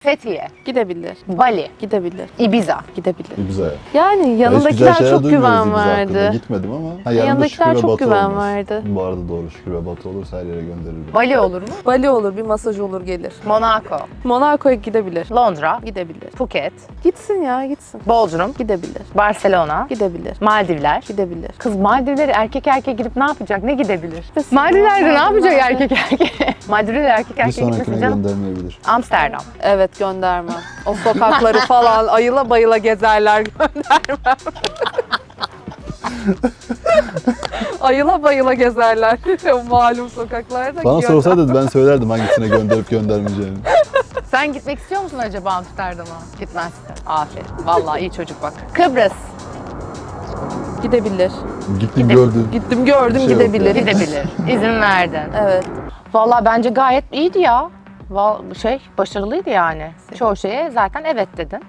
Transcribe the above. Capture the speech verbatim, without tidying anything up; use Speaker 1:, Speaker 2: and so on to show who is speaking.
Speaker 1: Fethiye,
Speaker 2: Gidebilir.
Speaker 1: Bali,
Speaker 2: Gidebilir.
Speaker 1: Ibiza.
Speaker 2: Gidebilir.
Speaker 3: Güzel.
Speaker 2: Yani
Speaker 3: Ya hiç
Speaker 2: yanındakiler
Speaker 3: güzel şeyler
Speaker 2: çok
Speaker 3: duymuyoruz
Speaker 2: güven
Speaker 3: Ibiza hakkında.
Speaker 2: verdi.
Speaker 3: Gitmedim ama. Ha, yanımda
Speaker 2: Yanındakiler
Speaker 3: Şükrü ve
Speaker 2: çok
Speaker 3: Batu
Speaker 2: güven
Speaker 3: olmaz.
Speaker 2: verdi.
Speaker 3: Bu arada doğru, Şükrü ve Batu olursa her yere gönderirim.
Speaker 1: Bali olur mu?
Speaker 2: Bali olur, bir masaj olur gelir.
Speaker 1: Monaco,
Speaker 2: Monaco'ya gidebilir.
Speaker 1: Londra,
Speaker 2: Gidebilir.
Speaker 1: Phuket,
Speaker 2: Gitsin ya, gitsin.
Speaker 1: Bodrum,
Speaker 2: Gidebilir.
Speaker 1: Barcelona,
Speaker 2: Gidebilir.
Speaker 1: Maldivler.
Speaker 2: Gidebilir.
Speaker 1: Kız Maldivlere erkek erkeğe gidip ne yapacak? Ne gidebilir?
Speaker 2: Kesin.
Speaker 1: Maldivler'de ne yapacak
Speaker 2: Maldivler'de.
Speaker 1: erkek erkeğe? Maldivlere erkek
Speaker 3: Bir
Speaker 1: erkeğe
Speaker 3: sonrakine
Speaker 1: gitmesin canım.
Speaker 3: göndermeyebilir.
Speaker 1: Amsterdam.
Speaker 2: Evet, göndermem. O sokakları falan ayıla bayıla gezerler, göndermem. Ayıla bayıla gezerler o malum sokaklarda.
Speaker 3: Bana
Speaker 2: Gönder-
Speaker 3: sorsaydı ben söylerdim hangisine gönderip göndermeyeceğini.
Speaker 1: Sen gitmek istiyor musun acaba Amsterdam'a? Gitmezsin. Aferin. Vallahi iyi çocuk bak. Kıbrıs.
Speaker 2: Gidebilir.
Speaker 3: Gittim gördüm.
Speaker 2: Gittim gördüm,
Speaker 3: Bir şey yok
Speaker 2: gidebilir.
Speaker 3: yani.
Speaker 1: Gidebilir. İzin verdin.
Speaker 2: Evet.
Speaker 1: Vallahi bence gayet iyiydi ya. Val- şey başarılıydı yani. Çoğu şeye zaten evet dedin.